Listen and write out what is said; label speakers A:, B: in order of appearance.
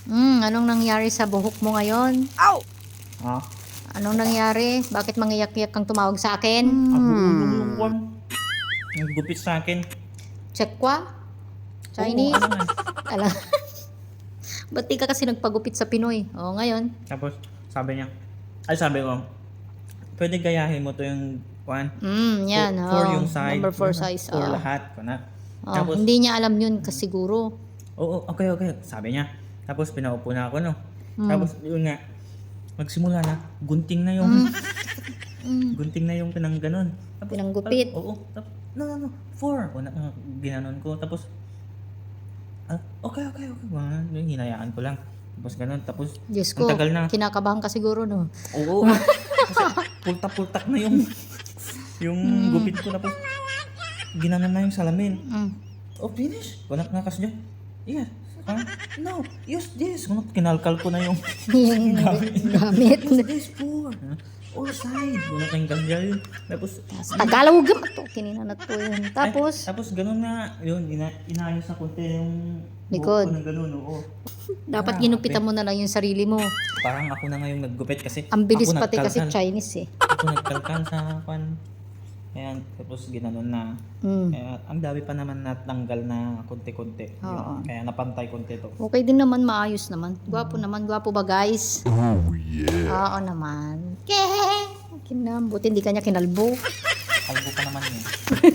A: Anong nangyari sa buhok mo ngayon?
B: Ow!
C: Ha?
A: Anong nangyari? Bakit mangiyak-iyak kang tumawag sa akin?
C: Ang gulong yung kwan. Ang gupit sa akin.
A: Tsekwa? Chinese?
C: Oo, ano nga.
A: Alam. Ba't di ka kasi nagpagupit sa Pinoy? O, ngayon.
C: Tapos, sabi niya, sabi ko, pwede gayahin mo to yung kwan.
A: Yan.
C: For yung side.
A: Number 4 size.
C: For lahat. Kuna. Tapos,
A: Hindi niya alam yun kasi siguro.
C: oo, okay. Sabi niya. Tapos, pinaupo na ako, no? Tapos, yun nga, magsimula na, gunting na yung, gunting na yung pinang ganon. Tapos,
A: Pinanggupit.
C: Oo. Tapos, no. 4. Ginanon ko. Tapos, okay. Yung hinayaan ko lang. Tapos ganun. Tapos,
A: Diyos
C: ang
A: ko,
C: tagal na.
A: kinakabahan ka siguro, no?
C: Oo. Kasi pultak-pultak na yung gupit ko. Tapos, ginanon na yung salamin. Oh, finish. Kunak na kasi dyan. Yeah. No, use this. Kunak, kinalkal ko na yung
A: Yung gamit.
C: use this for. All side. Kunak yung ganyan. Tapos,
A: Tagalog gamat to. Kinina na to yun. Tapos,
C: tapos ganun na, yun, inayos na konti yung
A: Likod.
C: buhok ko na ganun, oo.
A: dapat ginupitan mo na lang yung sarili mo.
C: Parang ako na ngayong naggupit kasi
A: Ang bilis
C: ako
A: pati kasi
C: nagkalkal.
A: Chinese eh.
C: Ako nagkalkal sa pan. Ayan, tapos ginanon na. Kaya ang dami pa naman natanggal na konti-konti.
A: Oo.
C: Kaya napantay konti to.
A: Okay din naman, maayos naman. Gwapo naman, gwapo ba guys? Oh yeah. Oo naman. Buti hindi kanya kinalbo.
C: Kalbo pa naman yun.